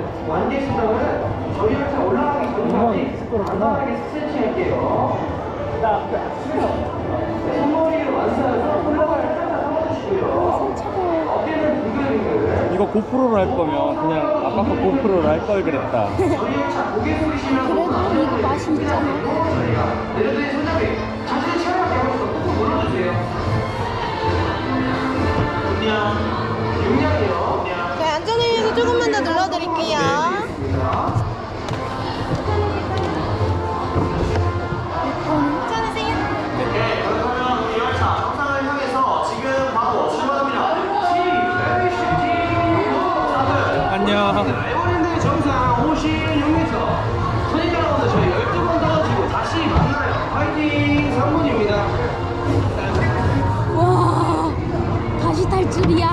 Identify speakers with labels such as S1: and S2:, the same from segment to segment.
S1: 완제시다면 저희 열차 올라가기 전까지 간단하게 스트레칭할게요. 손머리를 완수해서 올라가는 살짝 잡아주시고요. 어깨는 빙글빙글.
S2: 이거 고프로로 할 거면 그냥 아까 거 고프로로 할 걸 그랬다.
S1: 저희 열차 고개 숙이시면서
S3: 그래도 이거 맛이 있잖아.
S1: 내려드린 손잡이 자신의 체력을 배우면서 꾹꾹 눌러주세요. 용량이요.
S3: 네, 안전을 위해서 조금만 더 눌러드릴게요. 괜찮으세요?
S1: 네, 그러면 우리 열차 정상을 향해서 지금 바로 출발합니다.
S2: 안녕.
S1: 에버랜드 정상 56m. 손님 여러분들 저희 12번 더 지고 다시 만나요. 파이팅 3분입니다.
S3: 와, 다시 탈 줄이야.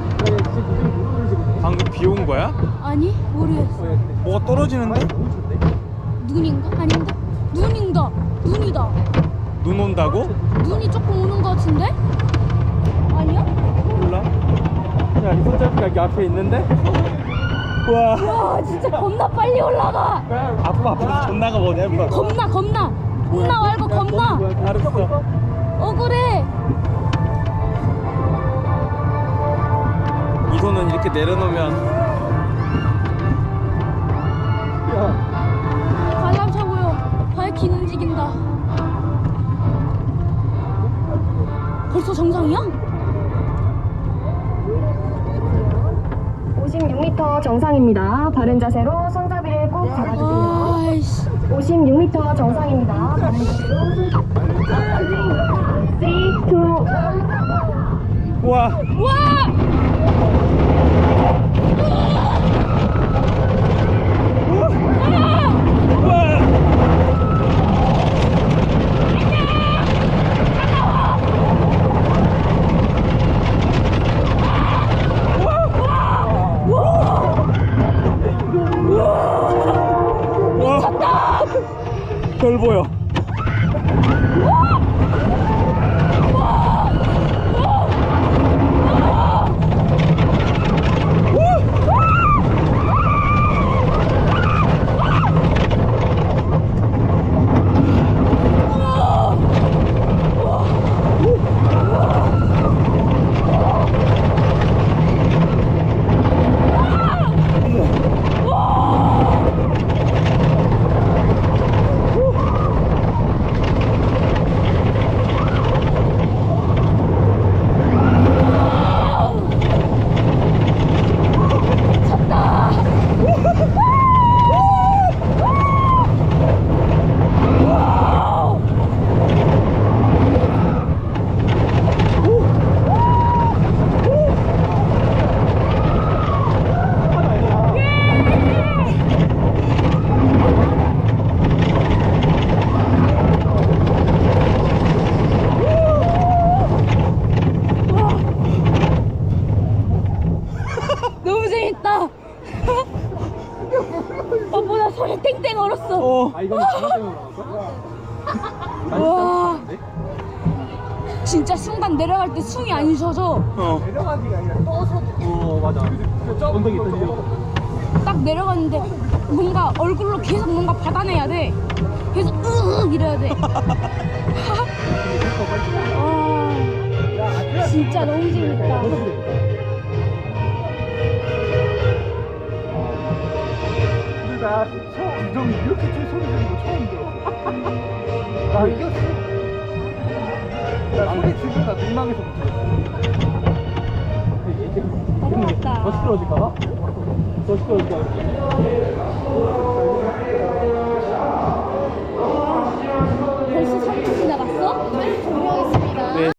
S2: 방금 비 온 거야?
S3: 아니, 모르겠어.
S2: 뭐가 떨어지는데?
S3: 눈인가? 아닌가? 눈인가? 눈이다.
S2: 눈 온다고?
S3: 눈이 조금 오는 것 같은데? 아니야?
S2: 몰라. 야, 이 손잡이가 여기 앞에 있는데? 우와.
S3: 와, 진짜 겁나 빨리 올라가.
S2: 앞으로 존나가 뭐냐, 인마.
S3: 겁나. 겁나 말고 겁나.
S2: 알았어.
S3: 억울해.
S2: 이 손은 이렇게 내려놓으면.
S3: 관람차 보여. 바이킹 움직인다. 벌써 정상이야?
S4: 56m 정상입니다. 바른 자세로 손잡이를 꼭 잡아주세요.
S3: 아이씨.
S4: 56m 정상입니다. 바른 자세로 손잡이를 3, 2,
S2: 우와.
S3: 와!
S2: 별 보여.
S3: 너무 재밌다. 오빠 나 소리 땡땡 얼었어.
S2: 어.
S5: 이건 장난 때문에 그런 거야?
S3: 와. 진짜 순간 내려갈 때 숨이 안 쉬어져.
S2: 어.
S5: 내려가기가 아니라 떠서. 맞아. 엉덩이 떨리고.
S3: 딱 내려갔는데 뭔가 얼굴로 계속 뭔가 받아내야 돼. 계속 으으 이래야 돼. 와, 진짜 너무 재밌다.
S5: 근데 나 주정이 이렇게 좀 소리 지르는 거 처음 들었어. 나 이겼어. 나 소리 지르다 민망해서 못 들었어.
S3: 넘어갔다.
S5: 더 시끄러질까봐? 더 시끄러질까봐.